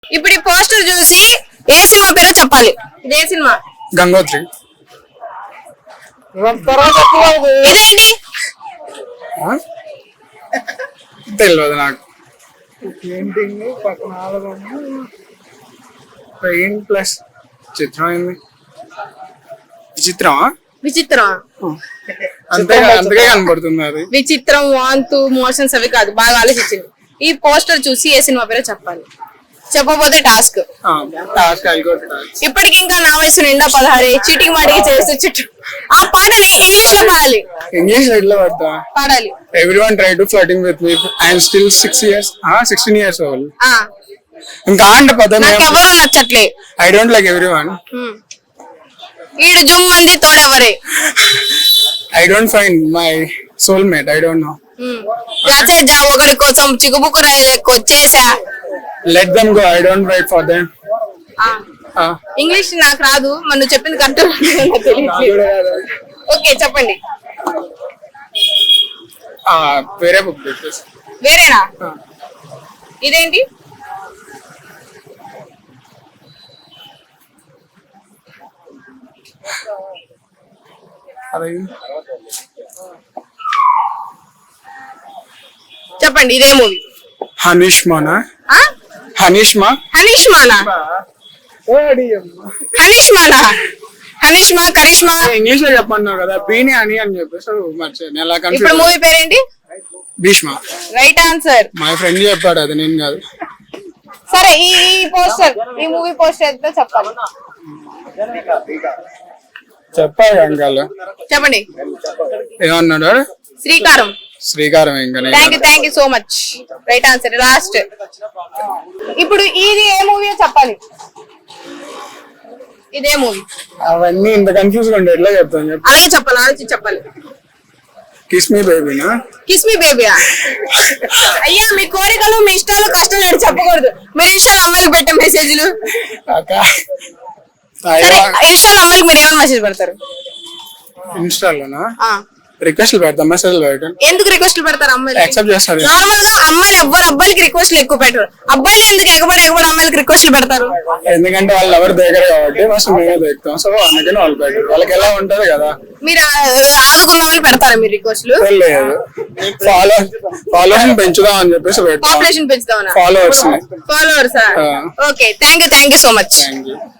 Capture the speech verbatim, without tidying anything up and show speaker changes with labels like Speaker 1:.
Speaker 1: ఇప్పుడు ఈ పోస్టర్ చూసి ఏ సినిమా పేరో చెప్పాలి. ఇదే సినిమా
Speaker 2: గంగోత్రి.
Speaker 1: ఇదేంటి
Speaker 2: తెలియదు నాకు. పెయింటింగ్ పక్కన పెయింట్ ప్లస్ చిత్రం ఏంది విచిత్రమా
Speaker 1: విచిత్రం
Speaker 2: అంతే అంతకే కనబడుతుంది అది.
Speaker 1: విచిత్రం వాంతు మోషన్స్ అవి కాదు, బాగా ఆలోచించింది. ఈ పోస్టర్ చూసి ఏ సినిమా పేరో చెప్పాలి. చెప్పబోతే టాస్క్. ఇప్పటికి ఇంకా నా వయసు నిండా పదహారు చీటింగ్ మాటికి చేస్తూ చుట్టూ ఆ పాటని ఇంగ్లీష్ లో పాడాలి.
Speaker 2: ఇంగ్లీష్ లో ఎట్లా పడతా
Speaker 1: పాడాలి.
Speaker 2: Everyone try to flirting with me I am still six years sixteen years old.
Speaker 1: ఆ
Speaker 2: ఇంకా అంటే పదం
Speaker 1: నాకు ఎవరు నచ్చట్లే.
Speaker 2: I don't like everyone.
Speaker 1: ఈడు జుమ్ మంది తోడెవరే.
Speaker 2: I don't find my soulmate. I don't know.
Speaker 1: రాసే జా ఒకరి కోసం చిగుబుకు వచ్చేసా.
Speaker 2: Let them go. I don't wait for them.
Speaker 1: English నాకు రాదు, మరి నువ్వు చెప్పింది కరెక్ట్. ఓకే చెప్పండి.
Speaker 2: వేరే బుక్.
Speaker 1: వేరేనా? ఇదేంటి? చెప్పండి. ఇదే మూవీ.
Speaker 2: హనీష్మానా? హనీష్మా
Speaker 1: హనీష్మానా హనీష్మానా హనీష్మా కరిష్మా
Speaker 2: ఇంగ్లీష్ లో చెప్పన్నావు కదా. బీని అని అని చెప్పేసి మర్చిపోయాను.
Speaker 1: ఇప్పుడు మూవీ పేరేంటి?
Speaker 2: భీష్మ.
Speaker 1: Right answer.
Speaker 2: మా ఫ్రెండ్ చెప్పాడు, అది నేను కాదు.
Speaker 1: సరే ఈ పోస్టర్ ఈ మూవీ పోస్టర్ ఎంతో చెప్పాలి.
Speaker 2: చెప్పాలి అంకాలు.
Speaker 1: చెప్పండి.
Speaker 2: ఏమన్నాడు?
Speaker 1: శ్రీకారం.
Speaker 2: శ్రీకారం. ఇంకా
Speaker 1: thank you thank you so much. Right answer. Last. ఇప్పుడు ఇది ఏ మూవీ చెప్పాలి. ఇదే మూవీ.
Speaker 2: అవన్నీ ఇంత కన్ఫ్యూజ్ గా ఉండే ఎట్లా చెప్తాను చెప్పు.
Speaker 1: అలాగే చెప్పాలి, ఆలోచించి చెప్పాలి.
Speaker 2: కిస్ మీ బేబీనా?
Speaker 1: కిస్ మీ బేబీయా? అయ్యా మీ కోరికలు మీ ఇష్టాలు కష్టాలు అని చెప్పకూడదు. మీరు ఇష్టాలు అమ్మాయికి పెట్టే మెసేజ్లు. ఇష్టాలు అమ్మాయికి మీరు ఏమైనా మెసేజ్ పెడతారు?
Speaker 2: ఇన్స్టాలోనా రిక్వెస్ట్ పెడతాం, మెసేజ్ పెట్టాను.
Speaker 1: ఎందుకు రిక్వెస్ట్లు పెడతారు అమ్మాయిలు?
Speaker 2: యాక్సెప్ట్ చేస్తారు.
Speaker 1: నార్మల్ గా అమ్మాయిలు ఎవ్వరు అబ్బాయిలకి రిక్వెస్ట్లు ఎక్కువ పెట్టరు. అబ్బాయిలు ఎందుకు ఎగబడి ఎగబడి అమ్మాయిలకి రిక్వెస్ట్లు పెడతారు?
Speaker 2: ఎందుకంటే వాళ్ళు ఎవరు దగ్గర కాబట్టి ఫస్ట్ మేమే దిగుతాం. సో అందుకని వాళ్ళు పెట్టారు. వాళ్ళకి ఎలా ఉంటది కదా. మీరు
Speaker 1: ఆదుకుందామని పెడతారా మీరు రిక్వెస్ట్లు?
Speaker 2: లేదు, ఫాలో ఫాలోవర్స్ పెంచుదాం అని చెప్పేసి పెడతాం.
Speaker 1: పాపులేషన్ పెంచుదామని.
Speaker 2: Followers
Speaker 1: followers. Okay thank you thank you so much.
Speaker 2: Thank you.